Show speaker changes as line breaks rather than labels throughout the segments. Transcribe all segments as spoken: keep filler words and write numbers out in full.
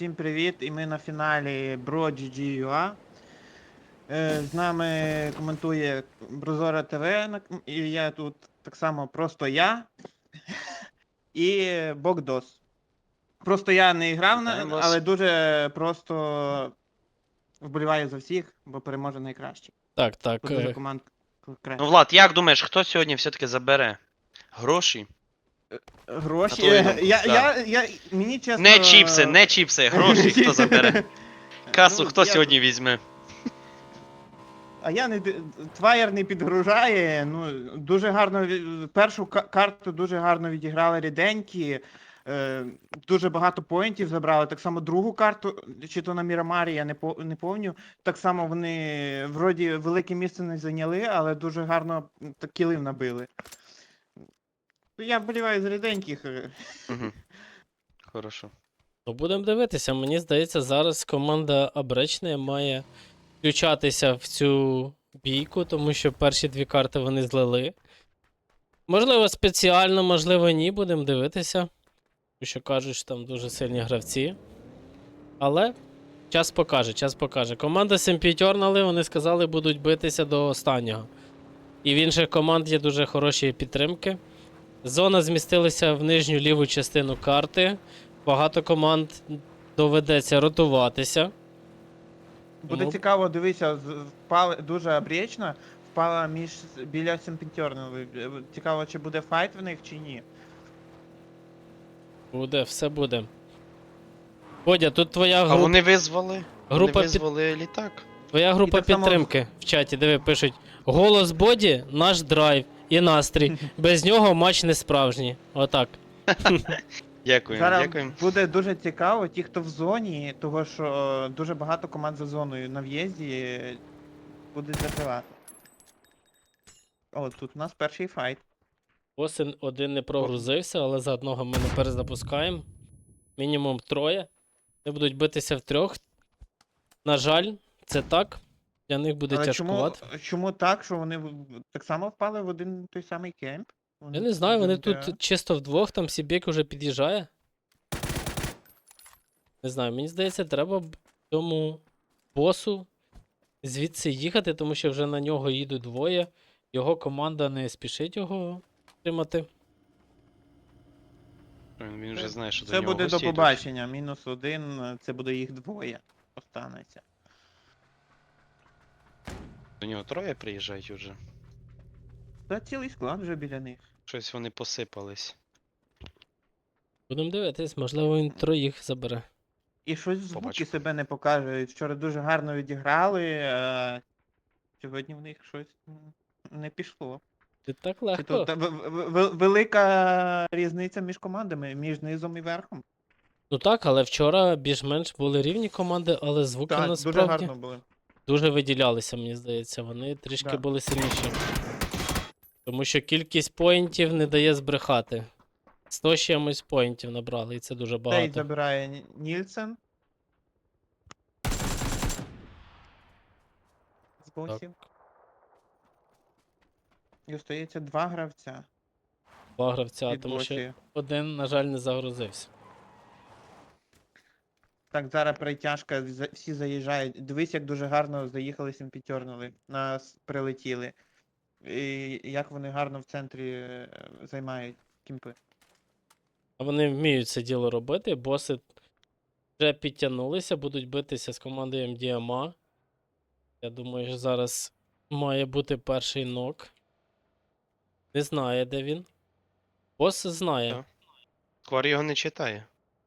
Всім привіт! І ми на фіналі BroGG.ua. Е, З нами коментує Брозора ТВ, на- і я тут так само просто я і Богдос. Просто я не грав, на-
Вітаємо вас.
але дуже просто вболіваю за всіх, бо переможе найкращий.
Так, так.
Бо дуже
е,
команд
Ну,
краще.
Влад, як думаєш, хто сьогодні все-таки забере гроші?
Гроші.
на твою
е,
думку,
Я,
да.
я, я, мені чесно...
Не чіпси, не чіпси, гроші хто забере? Касу
Ну,
хто
я-
сьогодні візьме?
А я не д- Тваєр не підгружає. Ну дуже гарно ві- першу ка- карту дуже гарно відіграли ріденькі. Е, дуже багато поінтів забрали. Так само другу карту, чи то на Мірамарі, я не по не помню. Так само вони вроді велике місце не зайняли, але дуже гарно м, так кілів набили. Ну, я вболіваю з ріденьких. е.
Угу. Хорошо.
Ну, будемо дивитися. Мені здається, зараз команда Абречне має включатися в цю бійку, тому що перші дві карти вони злили. Можливо, спеціально, можливо, ні, будемо дивитися. Тому що кажуть, що там дуже сильні гравці. Але час покаже, час покаже. Команда Семпітьорнали, вони сказали, будуть битися до останнього. І в інших команд є дуже хороші підтримки. Зона змістилася в нижню ліву частину карти. Багато команд доведеться ротуватися.
Буде
Тому-
цікаво, дивися, з- впали дуже обрічно, впала між біля Сімпінтьорною. Цікаво, чи буде файт в них, чи ні.
Буде, все буде. Бодя, тут твоя
А
група,
вони визвали?
група,
Вони
під...
визвали літак?
твоя група
так само-
підтримки в чаті, диви, пишуть: голос Боді, наш драйв і настрій. Без нього матч не справжній. Отак.
Дякуємо,
Зараз
дякуємо.
буде дуже цікаво, ті, хто в зоні, того що е, дуже багато команд за зоною на в'їзді е, будуть закривати. О, тут у нас перший файт.
Босин один не прогрузився, але за одного ми не перезапускаємо. Мінімум троє. Вони будуть битися в трьох. На жаль, це так. Для них буде
Але чому,
тяжкувато.
чому так, що вони в- так само впали в один той самий кемп? Вони
Я не знаю, вони
вже-
тут чисто вдвох, там Сібєк уже під'їжджає. Не знаю, мені здається, треба б цьому босу звідси їхати, тому що вже на нього їдуть двоє. Його команда не спішить його тримати.
Він вже знає, що до
Це
нього
буде до
гості йдуть.
побачення. Мінус один, е, це буде їх двоє. Останеться.
До нього троє приїжджають уже.
Та цілий склад вже біля них.
Щось вони посипались.
Будемо дивитись, можливо, він троїх забере.
І щось звуки
Побачимо.
себе не покажуть. Вчора дуже гарно відіграли, а сьогодні в них щось м, не пішло.
І так
Чи
легко.
то та в- в- в- велика різниця між командами, між низом і верхом.
Ну так, але вчора більш-менш були рівні команди, але звуки
Так, дуже
насправді
гарно були.
дуже виділялися, мені здається. Вони трішки
Да.
були сильніші. Тому що кількість поінтів не дає збрехати. сто з чимось поінтів набрали, і це дуже
Цей
багато.
забирає Ні- Нільсен. З босів. І остається два гравця
Два гравця,
від
тому що
босів.
один, на жаль, не загрузився.
Так, зараз перетяжка, за- всі заїжджають. Дивись, як дуже гарно заїхали сімпітьорнули. Нас прилетіли. І як вони гарно в центрі е, займають кімпи.
А вони вміють це діло робити. Боси вже підтягнулися, будуть битися з командою ем ді ем ей. Я думаю, що зараз має бути перший нок. Не знає, де він. Бос знає.
Так. Сквар його не читає.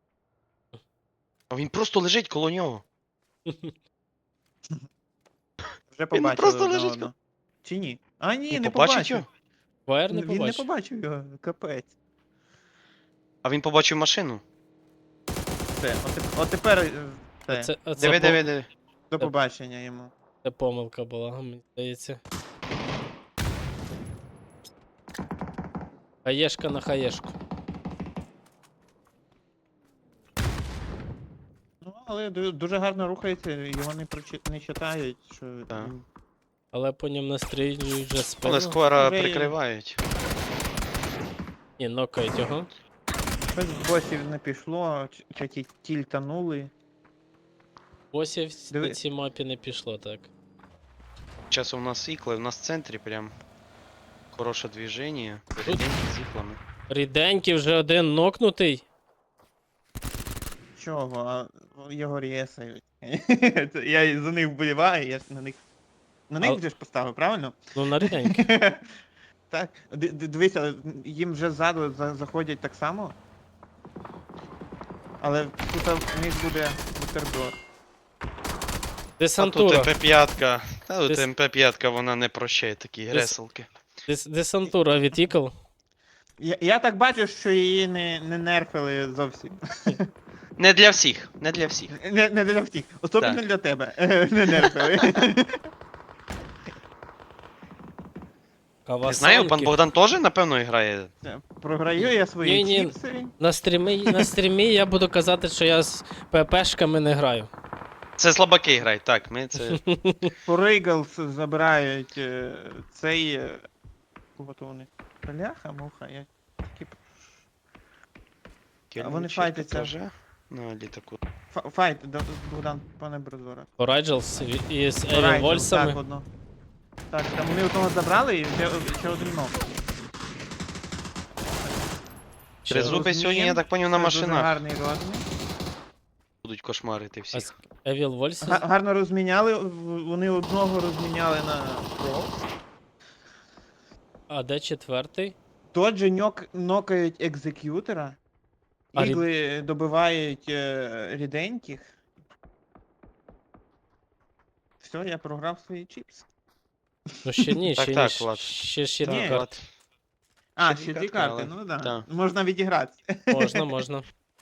А він просто лежить коло нього.
Вже побачили
просто
одне
лежить
одного. Чи ні? А ні,
Він
не
побачить
побачив.
його?
Вайер не
Він не
побачив.
побачив його, капець.
А він побачив машину.
Все, от, теп- от тепер е, все.
Це, а це,
Диви,
по-
диви, диви.
До побачення йому.
це помилка була, мені здається. Хаєшка на хаєшку.
Ну, але ду- дуже гарно рухається, його не прочи... не читають, що
Так.
він-
Але по ньому настрілюють вже спину.
Але сквара
вже є.
прикривають.
Ні, нокають його.
щось з босів не пішло, чи- чи ті тільтанули.
Босів
Диви-
на цій мапі не пішло, так.
Зараз у нас ікли, у нас в центрі прям хороше движення. Ріденькі з іклами.
Ріденький вже один нокнутий.
Чого? А його рєсають. Це Я за них вболіваю, я ж на них. На них
А-
вже ж поставив, правильно?
Ну, на ріденький.
Так, ди- ди- дивися, їм вже ззаду за- заходять так само. Але тут в них буде бутерброд.
А тут
Десантура.
ем пе п'ять. Та тут
Дес-
ем пе п'ять, вона не прощає такі
Дес-
греселки.
Дес- Десантура від ікл.
Я, я так бачу, що її не, не нерфили зовсім.
Не для всіх, не для всіх.
Не, не для всіх. Особливо
Так.
для тебе. Не нерфили.
Не знаю, пан
Кавасанки.
Богдан теж, напевно, грає.
Програю я свої
Ні-ні.
чіпси.
На стрімі, на стрімі я буду казати, що я з ППшками не граю.
Це слабаки грають, так, ми це.
Поригалс забирають е, цей. е, От вони. Бляха, муха, я такі А вони
Кельничок
файтяться.
теж на літаку.
Фа- Файт, Д- Богдан, пане Брозора.
Орайджелс із Еві
Райдер,
Вольсами.
Так, одно. Так, там вони одного забрали і ще, ще один ног.
Ще
Тризуб. Зуби сьогодні, я так поняв, на
Це дуже
машинах.
гарний розмін.
Будуть кошмарити
А
всіх.
з Евіл Вольси.
Га- Гарно розміняли, в- вони одного розміняли на про.
А де четвертий?
Доджі ньок, нокають екзек'ютора.
А рід-
Ігли добивають е, ріденьких. Все, я програв свої чіпси.
Ну ще ні,
Так,
ще
так,
ні.
Влад.
Ще ще
Ні.
дві
Так,
карти.
Влад.
А,
Ще
ще
дві
дві
карти,
карти,
але-
ну да.
так.
Можна відігратися.
Можна, можна.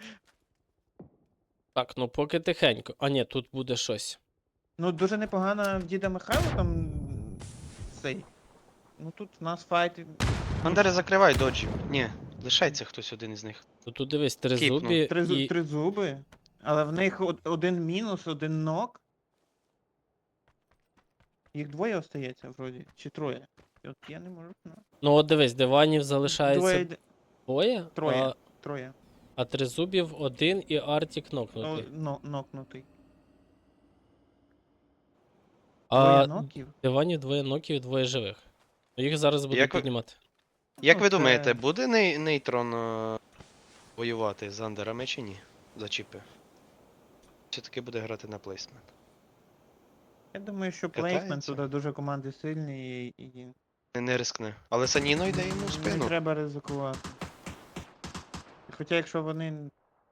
Так, ну поки тихенько. А ні, тут буде щось.
Ну, дуже непогано в діда Михайла там цей. Ну тут в нас файт.
Бандери, закривай доджі. Ні, лишається хтось один із них.
Ну тут дивись, три
Кіпну.
зубі
Три, зу-
і.
три зуби. Але в них од- один мінус, один нок. Їх двоє остається, вроді. Чи троє. От я не можу. знати.
Ну от дивись, диванів
Двоє,
залишається
йде-
двоє,
Троє.
а,
троє.
а три зубів один і Артік
О,
нокнутий.
но, нокнутий.
А
Двоє ноків?
диванів двоє ноків і двоє живих. Ну, їх зараз будуть
Як ви-
піднімати.
Як
Ну,
ви
це-
думаєте, буде ней- нейтрон е, воювати з андерами чи ні? За чіпи? Чи таки буде грати на плейсмент?
Я думаю, що
Катається?
плейсмент туди дуже команди сильні і, і
Не, не рискне. Але Саніно йде йому в
не
спину.
треба ризикувати. Хоча якщо вони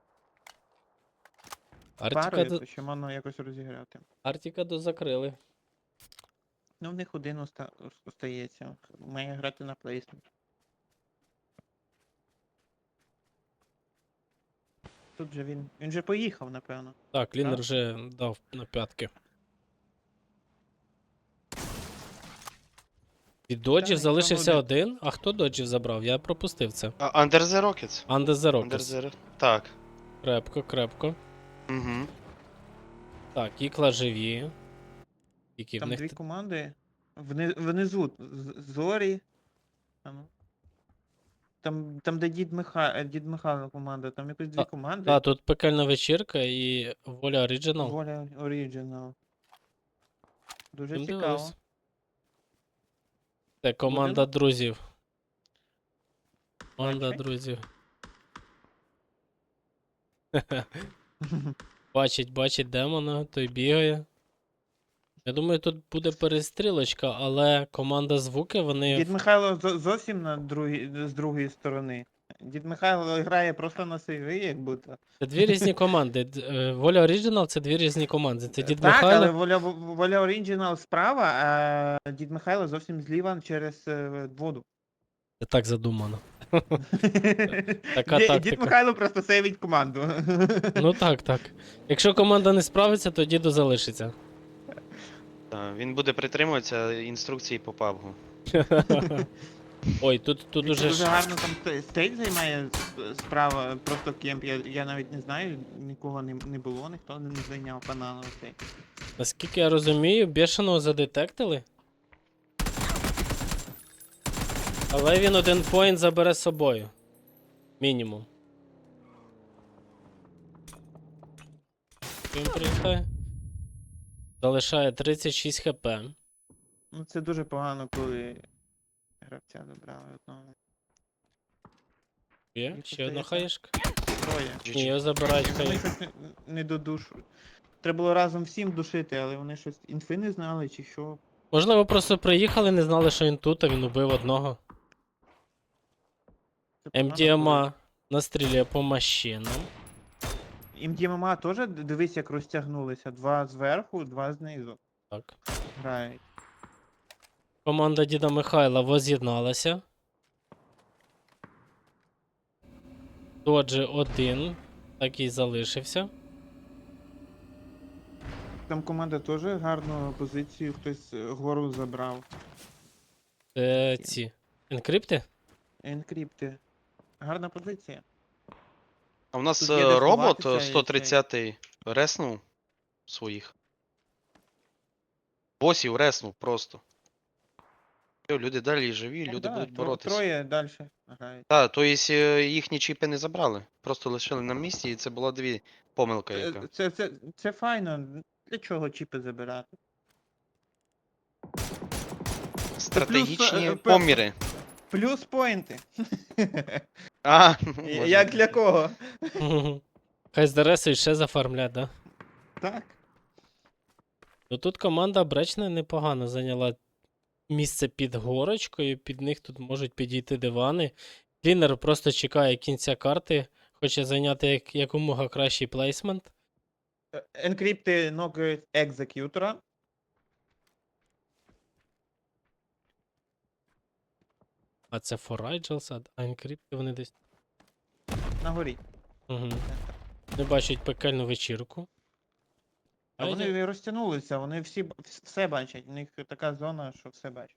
Артіка,
парою,
до...
то ще можна якось розіграти.
Артіка дозакрили.
Ну, в них один оста... ос- остається. Має грати на плейсмент. Тут же він. Він же поїхав, напевно.
Так, Лінер
Так.
вже дав на п'ятки. Від доджів
ніхто
залишився
не-
один. А хто доджів забрав? Я пропустив це.
А, Under the Rockets.
Under the
Under
Rockets.
the... Так.
Крепко, крепко.
Угу.
Так, ікла живі. Які в
Там
них.
дві команди. Вни... Внизу з- зорі. А ну. Там, там, де дід Миха... е, дід Михайло команда, там якось дві
А,
команди.
Так, тут пекельна вечірка і воля Оріджинал.
Воля Оріджинал. Дуже
Ну,
цікаво.
дивись. Це команда друзів. Команда
Бачай.
друзів. Бачить, бачить демона, той бігає. Я думаю, тут буде перестрілочка, але команда звуки, вони.
Дід Михайло зо- зовсім на другій, з другої сторони. Дід Михайло грає просто на сейві, як будто.
Це дві різні команди. Д- е, Воля Оріджинал це дві різні команди. Це Дід
так, але
Михайло.
воля, воля Оріджинал справа, а Дід Михайло зовсім зліва через е, воду.
Це так задумано. Така
Ді-
тактика.
Дід Михайло просто сейвить команду.
Ну так, так. Якщо команда не справиться, то діду залишиться.
Так, він буде притримуватися інструкції по пабгу.
Ой, тут, тут
Він
уже
дуже
ж.
гарно там ст- стейт займає с- справа, просто кемп. Я, я навіть не знаю, нікого не, не було, ніхто не зайняв банановий цей.
Наскільки я розумію, бешеного задетектили. Але він один поінт забере з собою. Мінімум. Він прилітає. Залишає тридцять шість хп.
Ну це дуже погано, коли гравця забрали одного.
Є?
Їх
Ще одна
остається
хаєшка.
Троє.
Ні,
джі джі.
його забирають
І вони
хай.
щось не, не додушують. Треба було разом всім душити, але вони щось інфи не знали чи що.
Можливо, просто приїхали, не знали, що він тут, а він убив одного.
Це погано,
МДМА настрілює по машинам.
коли- МДМА теж д- дивись, як розтягнулися. Два зверху, два знизу
Так.
грають.
Команда діда Михайла воз'єдналася. Доджі один, так і залишився.
Там команда теж гарну позицію, хтось е, гору забрав.
Це ці. Енкрипти?
Енкрипти. Гарна позиція.
А в нас
Тут є
е,
де
робот
сховатися і
е,
цей.
сто тридцятий реснув своїх. Босів реснув просто. Всьо, люди далі живі, люди
Да,
будуть
тро-
боротися.
Троє далі грають.
Так, то есть е, їхні чіпи не забрали. Просто лишили на місці, і це була дві помилка
Це,
яка.
це, це, це файно. Для чого чіпи забирати?
Стратегічні
е, пе-
поміри.
Плюс поінти.
А,
Як для кого?
Хай здересують ще зафармлять, да?
Так.
Ну тут команда Бречна непогано зайняла місце під горочкою, під них тут можуть підійти дивани. Клінер просто чекає кінця карти, хоче зайняти як, якомога кращий плейсмент.
Е, Енкрипти нокають екзекютора.
А це Форайджелс, а енкрипти вони десь.
На горі.
Угу. Не бачать пекельну вечірку.
А
А
вони
я-
не розтягнулися, вони всі б- вс- все бачать. У них така зона, що все бачать.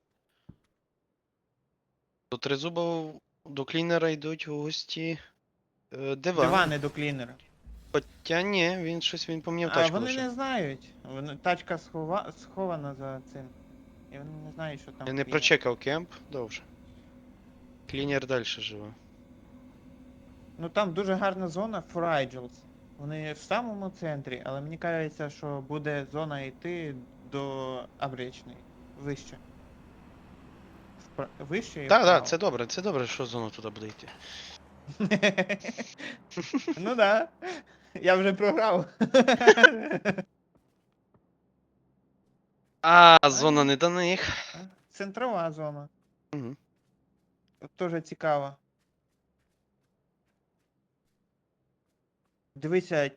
До тризуба до клінера йдуть у гості. Е, диван.
Дивани до клінера.
Хоча ні, він щось він поміняв
А
тачку
вони
лише.
не знають. Вони, тачка схова, схована за цим. І вони не знають, що там.
Я не
клінер.
прочекав кемп, довже. Клінер далі живе.
Ну там дуже гарна зона Форайджелс. Вони в самому центрі, але мені кажеться, що буде зона йти до Абречної. Вище. Впра... Вище і
Так,
вправо.
так, це добре, це добре, що зона туди буде йти.
Ну да. Я вже програв.
А, зона не до них.
Центрова зона.
Угу.
Тоже цікаво. Дивися.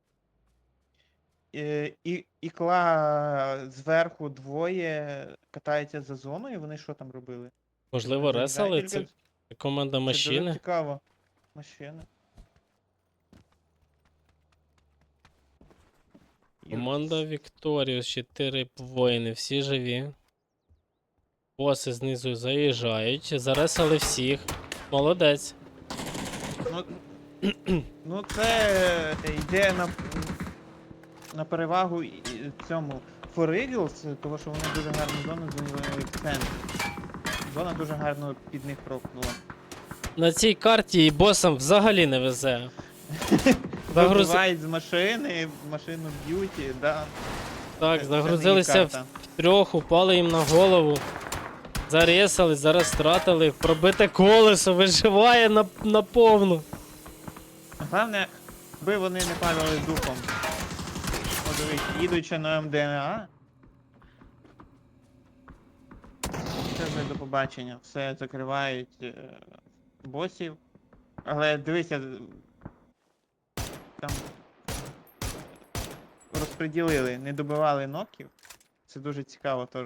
е, І, ікла зверху двоє катається за зоною, вони що там робили?
Можливо, ресали.
Замідають
Це
тільки-
це команда
Це дуже
машини.
цікаво. Машина.
Команда Вікторіус, чотири воїни, всі живі. Боси знизу заїжджають, заресали всіх. Молодець.
Ну, ну це йде на, на перевагу і- цьому For Eagles, тому що вони дуже гарну зону зайняли в центрі. Зона дуже гарно під них прокнула.
На цій карті і босам взагалі не везе. Загруз...
Вибивають з машини, машину б'ють, і, да.
Так,
Це- це
загрузилися
не
в
їх карта.
трьох, упали їм на голову. Заресали, зараз стратили. Пробите колесо, виживає на, на повну.
Головне, аби вони не падали духом. О, дивись, їдучи на МДНА. Це вже до побачення. Все закривають е, босів. Але дивися. Там розподілили, не добивали ноків. Це дуже цікаво теж.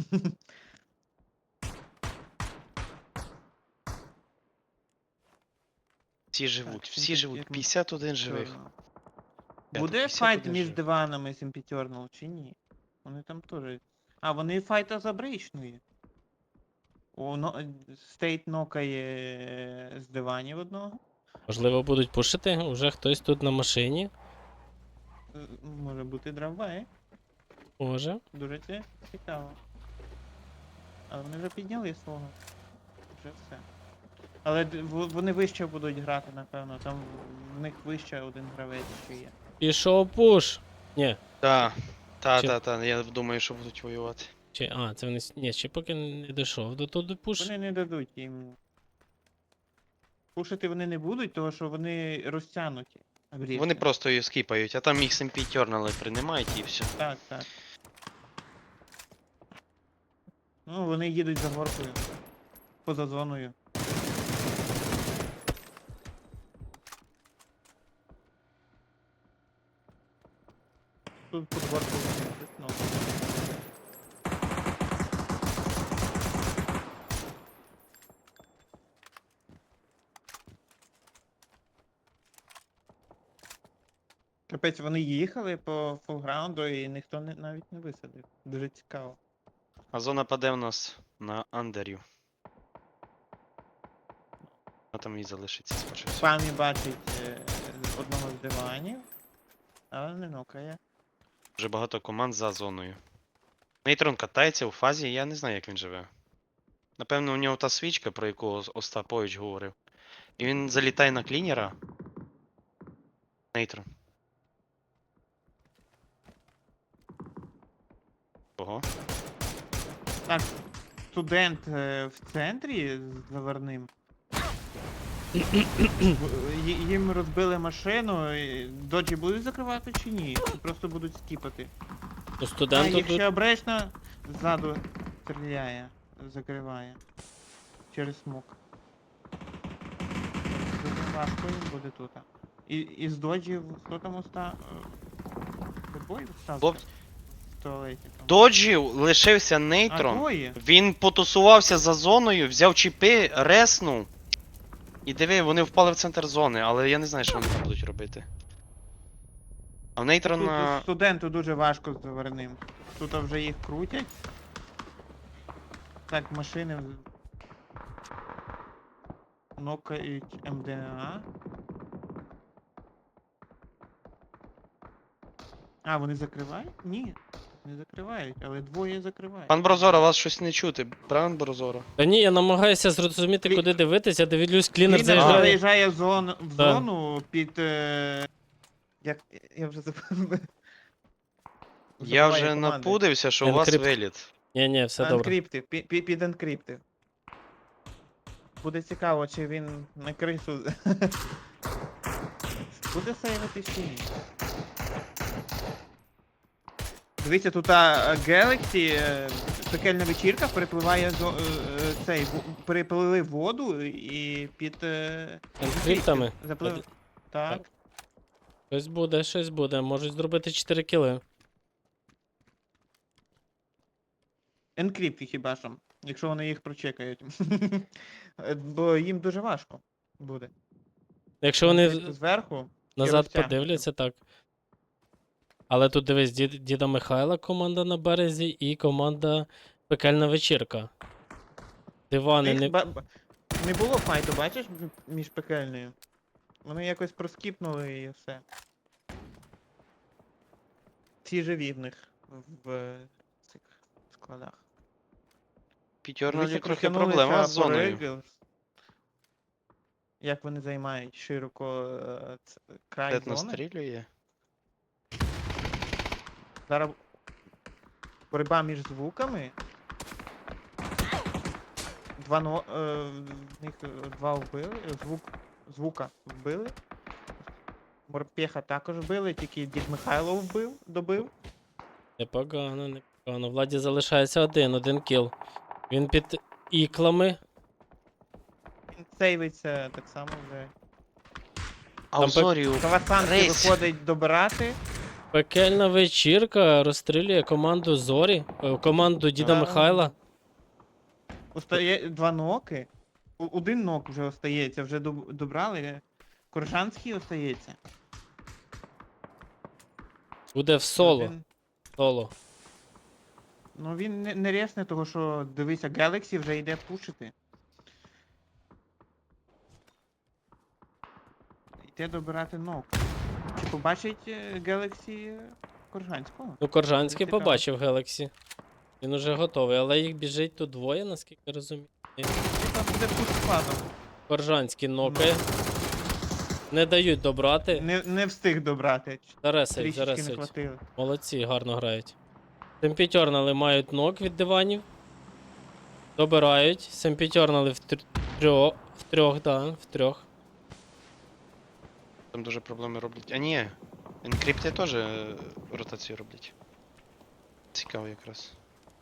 Всі живуть,
Так,
всі
Сімпі-
живуть.
як ми-
п'ятдесят один живих.
Чорно.
Я
Буде
тут
файт
п'ятдесят один
між
живих.
диванами Сімпітьорнал чи ні? Вони там теж. А, вони файта за бричною. О, но... Стейт нокає е, з диванів одного.
Можливо, будуть пушити, уже хтось тут на машині.
Е, Може бути дравбай.
Може.
Дуже це цікаво. Але вони вже підняли свого. Вже все. Але д- в- вони вище будуть грати, напевно. Там в них вище один гравець ще є.
Пішов пуш. Ні,
Так. Та,
Чи-
та, та, я думаю, що будуть воювати.
Чи. А, це вони. с- Ні, ще поки не дійшов до туди пуш.
Вони не дадуть їм. Пушити вони не будуть, тому що вони розтягнуті. Обрізки.
Вони просто її скіпають, а там їх сімпі тернали, приймають і все.
Так, так. Ну, вони їдуть за горкою. Поза зоною. Тут під горкою вони йдуть, ну. Капець, вони їхали по фулграунду і ніхто не, навіть не висадив. Дуже цікаво.
А зона паде в нас на андерю. А там і залишиться скоріше всього.
Памі бачить е, одного з диванів, але не нокає.
Дуже багато команд за зоною. Нейтрон катається у фазі, я не знаю, як він живе. Напевно, у нього та свічка, про яку Ос- Остапович говорив. І він залітає на клінера. Нейтрон. Ого.
Так, студент е, в центрі з заварним. В- ї- Їм розбили машину, і доджі будуть закривати чи ні? Чи просто будуть скіпати?
У
А,
студенту
якщо
тут.
обречно, ззаду стріляє, закриває. Через смок. Дуже важко їм буде тут. І, із доджів, хто там оста... е, Бой стався?
Боб-
В туалеті там.
Доджів лишився
А,
нейтрон.
двоє?
Він потусувався за зоною, взяв чіпи, реснув. І диви, вони впали в центр зони, але я не знаю, що вони там будуть робити. А в
Тут
нейтрона.
студенту дуже важко з заварним. Тут вже їх крутять. Так, машини. в- Нокають МДА. А, вони закривають? Ні. Не закривають, але двоє закривають.
Пан Брозора, вас щось не чути. Пан Брозора.
Та ні, я намагаюся зрозуміти,
Клі-
куди дивитися, дивлюсь, клінер
Клінер
заїжджає.
заїжджає в зону, в
Так.
зону під. Е... Як. Я вже забув.
Я
Забуваю
вже
команди.
напудився, що у вас
Енкрипт.
виліт.
Ні, ні, все добре.
Енкриптив, пі- пі- під енкриптив. Буде цікаво, чи він на крису. Буде сейвити чи ні. Дивіться, тут а, Galaxy, е, пекельна вечірка, перепливає зо, е, е, цей, в- переплили воду і під е,
Енкриптами?
Заплив...
Під-
Так.
Щось буде, щось буде. Можуть зробити чотири кіли.
Енкрипти хіба що, якщо вони їх прочекають. Е, Бо їм дуже важко буде.
Якщо вони
Енкрипти
в-
зверху.
назад
розтягнуто.
подивляться, так. Але тут дивись, дід, діда Михайла команда на березі і команда Пекельна вечірка. Дивани
Їх
не.
ба- ба- Не було файту, бачиш, м- між пекельною. Вони якось проскіпнули і все. Всі живі в них в е, цих складах.
П'ятернолі
Дивіться,
трохи
протягнулися
проблема з
по
зоною.
Рейглс. Як вони займають широко е, ц- край
Дед
зони.
настрілює.
Зараз боротьба між звуками. Два но... е, в них е, два вбили. е, Звук... Звука вбили. Морпеха також вбили, тільки дід Михайло вбив, добив.
Непогано, непогано. Владі залишається один, один кіл. Він під іклами.
Він сейвиться так само вже.
А
Там
у Зорію
Кавасанки
рейс.
виходить добирати.
Пекельна вечірка розстрілює команду Зорі, е, команду діда
Да.
Михайла.
Остає два ноки. У- Один нок вже остається, вже доб- добрали. Коржанський остається.
Буде в соло.
Один-
Соло.
Ну він не, не ресне, того що дивися, Galaxy вже йде пушити. Йде добирати нок. Чи побачить е, Galaxy е, Коржанського?
Ну, Коржанський
Цікаво.
побачив Гелексі. Він уже готовий, але їх біжить тут двоє, наскільки я розумію.
Чи там буде пуш складом?
Коржанський нокає. Не дають добрати.
Не, не встиг добрати.
Заресають,
Трішечки не
заресають.
хватило.
Молодці, гарно грають. Семпітьорнали мають нок від диванів. Добирають. Семпітьорнали в тр- трьох. В трьох, да, в трьох.
Там дуже проблеми роблять. А ні, енкрипти теж е, ротацію роблять. Цікаво якраз.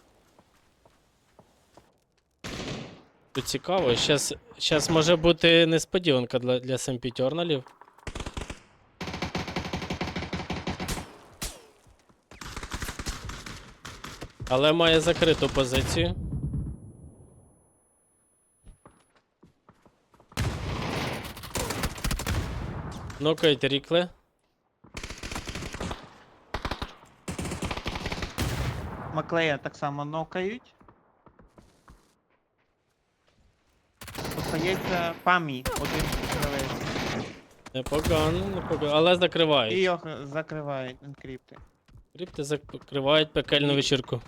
Тут цікаво. Щас, щас може бути несподіванка для, для семпітьорналів. Але має закриту позицію. Нокають Рікле.
Маклея так само нокають. Остається Памі, один гравець.
Непогано, непогано. Але
І
закривають.
його закривають енкрипти.
Крипти закривають пекельну
І-
вечірку.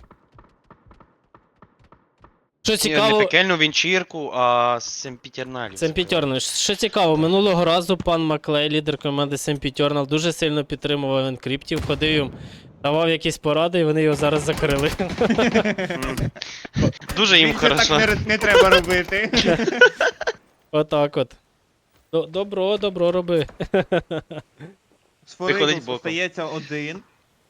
Що
Ні,
цікаво,
не пекельну вінчірку, а семпітерналів.
Семпітьорнал. Що цікаво, минулого разу пан Маклей, лідер команди Семпітьорнал, дуже сильно підтримував енкриптів, ходив їм, давав якісь поради, і вони його зараз закрили.
М. Дуже їм
Більше так
хорошо.
не, р- не треба робити.
Отак от. До- Добро, добро роби.
З
Виходить
Форигус
боком.
остається один.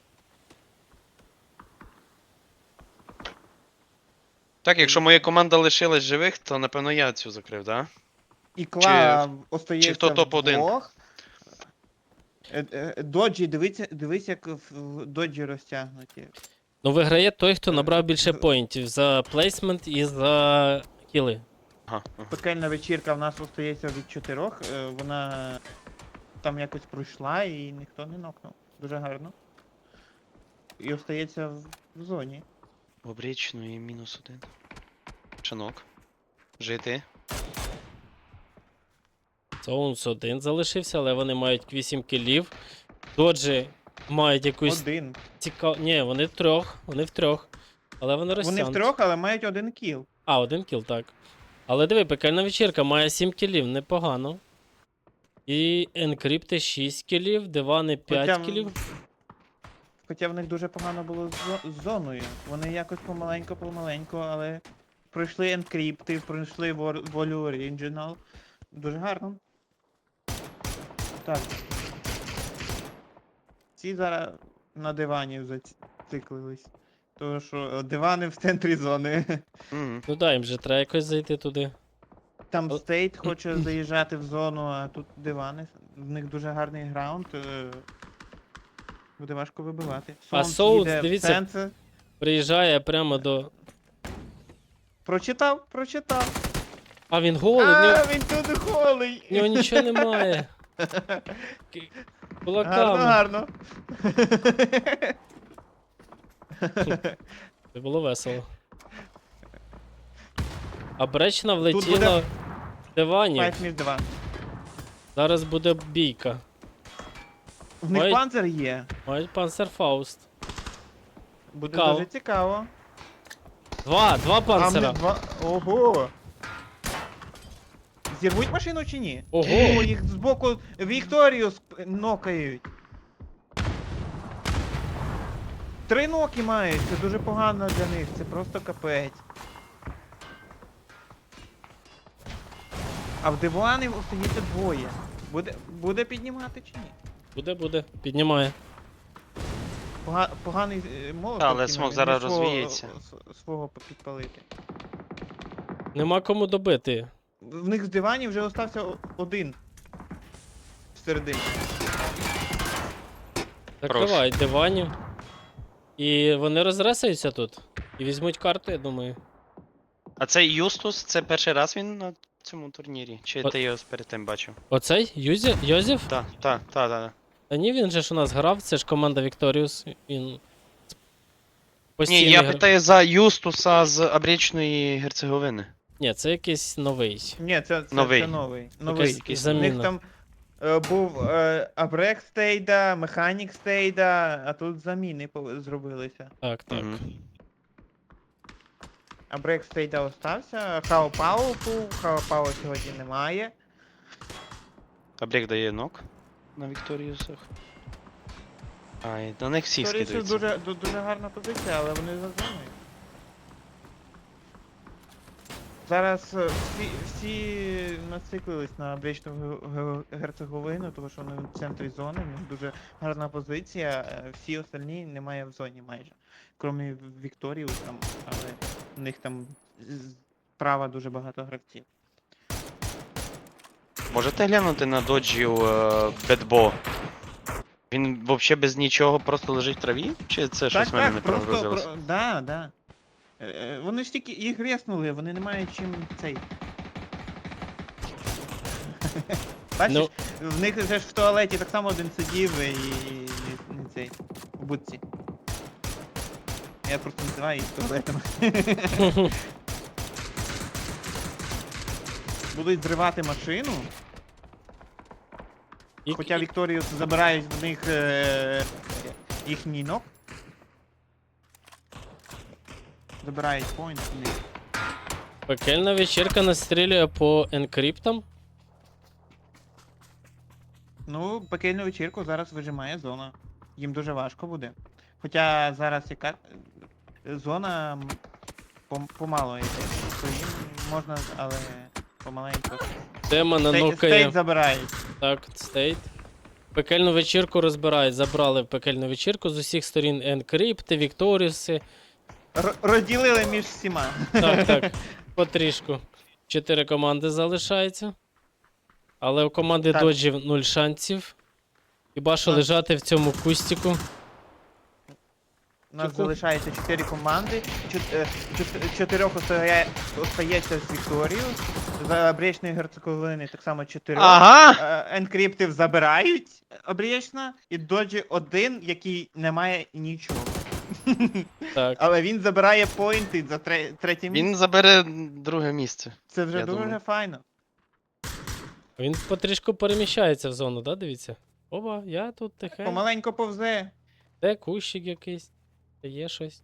Так, якщо моя команда лишилась живих, то напевно я цю закрив, так? Да?
І Кла остається
чи хто топ-один?
вдвох. Е, е, Доджі, дивіться, дивись, як в- в доджі розтягнуті.
Ну, виграє той, хто
Е,
набрав більше
з-
поінтів за плейсмент і за кіли.
Ага, ага.
Пекельна вечірка в нас остається від чотирьох. е, Вона там якось пройшла і ніхто не нокнув. Дуже гарно. І остається в, в зоні.
Обрічну і мінус один. Шанок. Жити.
Соунс один залишився, але вони мають вісім кілів. Доджі мають якусь
Один.
цікаву. Ні, вони в трьох, вони в трьох. Але вони
Вони
розтягнуті.
в трьох, але мають один кіл.
А, один кіл, так. Але диви, пекельна вечірка має сім кілів, непогано. І енкрипти шість кілів, дивани п'ять
Хоча в-
кілів.
Хоча в них дуже погано було з, зо- з зоною. Вони якось помаленько-помаленько, але пройшли енкрипти, пройшли вор- волю оригінал. Дуже гарно. Так. Ці зараз на дивані зациклились. Тому що е, дивани в центрі зони.
Мгм.
Ну да, їм же треба якось зайти туди.
Там
О-
стейт хоче заїжджати в зону, а тут дивани. В них дуже гарний граунд. е, Буде важко вибивати.
А
Соунс
Соунс,
їде в
дивіться,
центр.
Приїжджає прямо до.
Прочитав, прочитав.
А він голий, в нього,
А, він тут голий.
в нього нічого немає. Ки-
Гарно,
Кулаками.
гарно.
Це було весело. А Бречна
буде
влетіла в диванів.
Fight між два.
Зараз буде бійка.
В них
Ой.
панцир є.
Мають панцерфауст.
Буде
Цікаво.
дуже цікаво.
Два, два
А в
панцера.
них два. Ого. Зірвуть машину чи ні?
Ого.
О, їх збоку Вікторію сп- нокають. Три ноки мають, це дуже погано для них, це просто капець. А в диванів остається двоє. Буде, буде піднімати чи ні?
Буде, буде. Піднімає.
Пога, поганий е, молот.
Та, але
кинув,
смок
він
зараз
не свого-
розвіється.
с- Свого підпалити.
Нема кому добити.
В них з диванів вже остався о- один. Всередині.
Закривають диванів. І вони розресаються тут. І візьмуть карту, я думаю.
А цей Юстус, це перший раз він на цьому турнірі? Чи
О-
ти його перед тим бачив?
Оцей? Юзі... Йозеф?
Так, так, так, так.
Та ні, він же ж у нас грав, це ж команда Вікторіус. Він.
Ні,
постійний
я
гра-
питаю за Юстуса з Обрічної Герцеговини.
Ні, це якийсь новий.
Ні, це, це,
Новий.
це новий. Новий.
Якась
якийсь. У
заміна.
них там е, був е, Абрек стейда, Механік стейда, а тут заміни пов- зробилися.
Так, так.
Мгм.
Абрек стейда остався, Хао Пау був, Хао Пау сьогодні немає.
Абрек дає нок на Вікторіусах. А, і на них всі
Торісів
скидаються.
дуже, ду- дуже гарна позиція, але вони за зоною. Зараз е, всі, всі нациклились на Бречну Ге- Ге- Герцеговину, тому що вони в центрі зони, в них дуже гарна позиція, е, всі остальні немає в зоні майже. Крім Вікторії, там, але в них там з- справа дуже багато гравців.
Можете глянути на доджів е, Бедбо? Він взагалі без нічого просто лежить в траві? Чи це щось в мене не
просто,
прогрузилось?
про, да, да. Е, е, Вони ж тільки їх реснули, вони не мають чим цей. Бачиш,
Ну.
в них вже ж в туалеті так само один сидів і не, не цей. В будці. Я просто називаю їх туалетами. Будуть зривати машину,
І-
хоча
і-
Вікторіус забирають в них е, їхній нок. Забирають поінт в них.
Пекельна вечірка настрілює по енкриптам.
Ну, пекельну вечірку зараз вижимає зона. Їм дуже важко буде. Хоча зараз яка е, зона м, пом- помало йде. То їм можна, але помаленьку.
Тема
Стей-
нанукає.
Стейт забирають.
Так, стейт. Пекельну вечірку розбирають. Забрали пекельну вечірку з усіх сторін енкрипти, Вікторіуси.
Р- розділили між всіма.
Так, так. Потрішку. Чотири команди залишається. Але у команди
Так.
доджів нуль шансів. Хіба що
Так.
лежати в цьому кустіку.
У нас
Яку?
залишається чотири команди. Чот- е, чот- Чотирьох остає- остається з Вікторією. За Бречної Герцеговини так само чотирьох.
Ага!
Е, Енкриптів забирають обрічно, і доджі один, який не має нічого.
Так.
Але він забирає поінти за тре- третє місце.
Він забере друге місце.
Це вже
я
дуже
думаю.
файно.
Він потрішку переміщається в зону, да, дивіться? Оба, я тут тихенько.
Помаленько повзе.
Де кущик якийсь? Де є щось?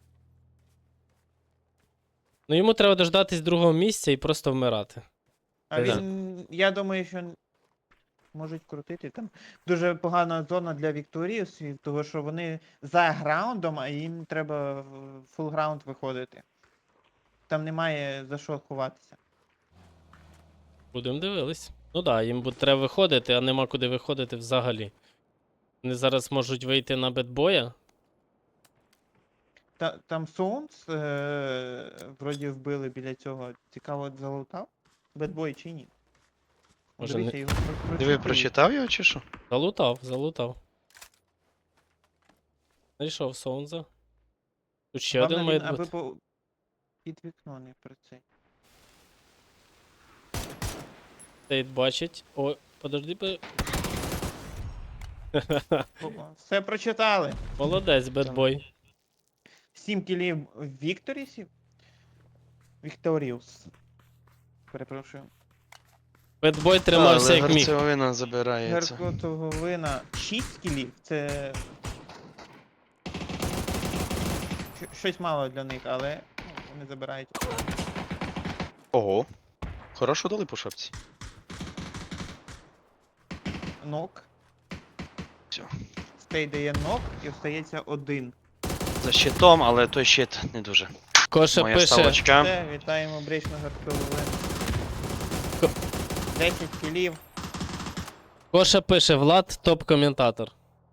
Ну йому треба дождатись другого місця і просто вмирати.
А
Так.
він, я думаю, що можуть крутити. Там дуже погана зона для Вікторіусів, тому що вони за граундом, а їм треба в фул граунд виходити. Там немає за що ховатися.
Будемо дивились. Ну да, їм буде треба виходити, а нема куди виходити взагалі. Вони зараз можуть вийти на бедбоя.
Та, там Соунс, е, вроді вбили біля цього. Цікаво, залутав? Бедбой чи ні?
Може,
Дивися,
не-
його про-
Диви,
прочитують.
прочитав його чи що?
Залутав, залутав. Знайшов Соунза. Тут ще
Главне,
один
він
має
аби
бути.
по... під вікно не про цей.
Стейт бачить. О, подожди. по-
О, Все прочитали.
Молодець, бедбой.
Сім кілів Вікторісів. Вікторіус. Перепрошую.
Бедбой тримався як міг.
Герцеговина забирається.
Герцеговина шість кілів. Це. щ- Щось мало для них, але ну, вони забирають.
Ого. Хорошо дали по шапці.
Нок.
Всьо.
Стей дає нок і остається один.
За щитом, але той щит не дуже.
Коша
Моя
пише.
ставочка.
Все, вітаємо Бречну Герцеговину.
Ко-
десять кілів.
Коша пише, Влад топ-коментатор.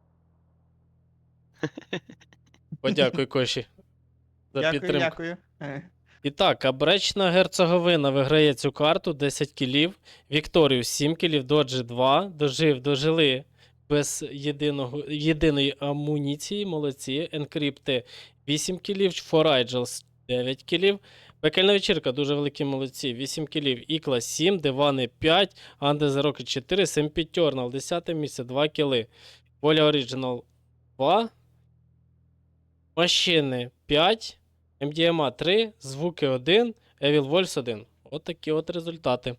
Подякуй, Коші. За
Дякую,
підтримку.
дякую. Е,
І так, Абречна Герцеговина виграє цю карту десять кілів. Вікторію сім кілів, Доджі два. Дожив, дожили без єдиного, єдиної амуніції. Молодці. Енкрипти вісім кілів. Форайджелс дев'ять кілів. Пекельна вечірка, дуже великі молодці. вісім кілів. Ікла сім, Дивани п'ять, Анде Зароки чотири, Семпітьорнал десяте місце, два кіли. Воля Оріджинал два. Машини п'ять. ем ді ем а три, звуки один, Evil Wolves один. От такі от результати.